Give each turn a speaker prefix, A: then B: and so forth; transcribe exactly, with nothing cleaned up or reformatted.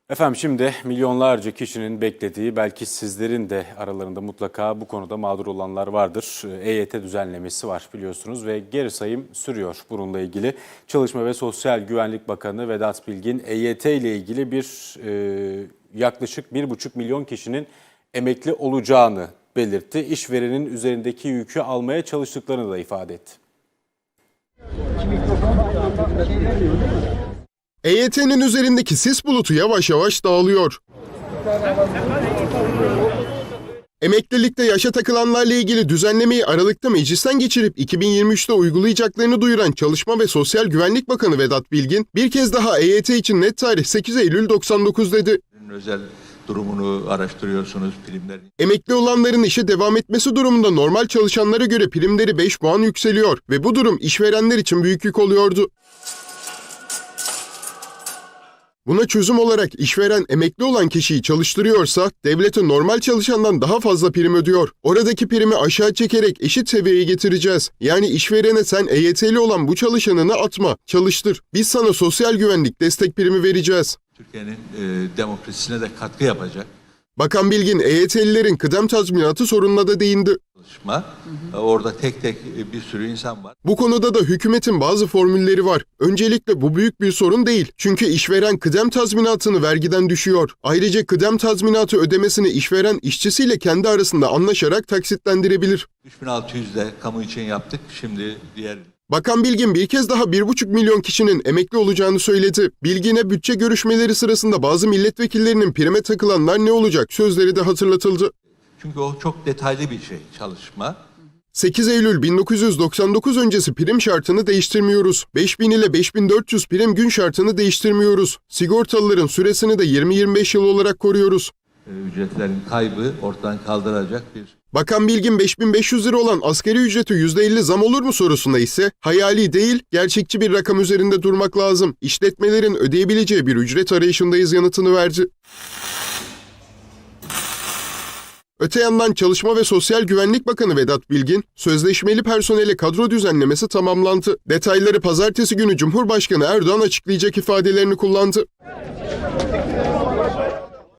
A: Efendim şimdi milyonlarca kişinin beklediği, belki sizlerin de aralarında mutlaka bu konuda mağdur olanlar vardır. E Y T düzenlemesi var biliyorsunuz ve geri sayım sürüyor bununla ilgili. Çalışma ve Sosyal Güvenlik Bakanı Vedat Bilgin E Y T ile ilgili bir e, yaklaşık bir buçuk milyon kişinin emekli olacağını belirtti. İşverenin üzerindeki yükü almaya çalıştıklarını da ifade etti.
B: E Y T'nin üzerindeki sis bulutu yavaş yavaş dağılıyor. Emeklilikte yaşa takılanlarla ilgili düzenlemeyi Aralık'ta meclisten geçirip iki bin yirmi üçte uygulayacaklarını duyuran Çalışma ve Sosyal Güvenlik Bakanı Vedat Bilgin bir kez daha E Y T için net tarih sekiz Eylül doksan dokuz dedi.
C: Özel durumunu araştırıyorsunuz, primler.
B: Emekli olanların işe devam etmesi durumunda normal çalışanlara göre primleri beş puan yükseliyor ve bu durum işverenler için büyük yük oluyordu. Buna çözüm olarak işveren emekli olan kişiyi çalıştırıyorsa devlete normal çalışandan daha fazla prim ödüyor. Oradaki primi aşağı çekerek eşit seviyeye getireceğiz. Yani işverene sen E Y T'li olan bu çalışanını atma, çalıştır. Biz sana sosyal güvenlik destek primi vereceğiz.
C: Türkiye'nin e, demokrasisine de katkı yapacak.
B: Bakan Bilgin E Y T'lilerin kıdem tazminatı sorununa da değindi.
C: Çalışma. Hı hı. Orada tek tek bir sürü insan var.
B: Bu konuda da hükümetin bazı formülleri var. Öncelikle bu büyük bir sorun değil. Çünkü işveren kıdem tazminatını vergiden düşüyor. Ayrıca kıdem tazminatı ödemesini işveren işçisiyle kendi arasında anlaşarak taksitlendirebilir.
C: üç bin altı yüz de kamu için yaptık. Şimdi diğer...
B: Bakan Bilgin bir kez daha bir buçuk milyon kişinin emekli olacağını söyledi. Bilgin'e bütçe görüşmeleri sırasında bazı milletvekillerinin prime takılanlar ne olacak sözleri de hatırlatıldı.
C: Çünkü o çok detaylı bir şey, çalışma.
B: sekiz Eylül bin dokuz yüz doksan dokuz öncesi prim şartını değiştirmiyoruz. beş bin ile beş bin dört yüz prim gün şartını değiştirmiyoruz. Sigortalıların süresini de yirmi yirmi beş yıl olarak koruyoruz.
C: Ücretlerin kaybı ortadan kaldıracak bir...
B: Bakan Bilgin beş bin beş yüz lira olan asgari ücreti yüzde elli zam olur mu sorusunda ise hayali değil, gerçekçi bir rakam üzerinde durmak lazım. İşletmelerin ödeyebileceği bir ücret arayışındayız yanıtını verdi. Öte yandan Çalışma ve Sosyal Güvenlik Bakanı Vedat Bilgin, sözleşmeli personele kadro düzenlemesi tamamlandı. Detayları pazartesi günü Cumhurbaşkanı Erdoğan açıklayacak ifadelerini kullandı.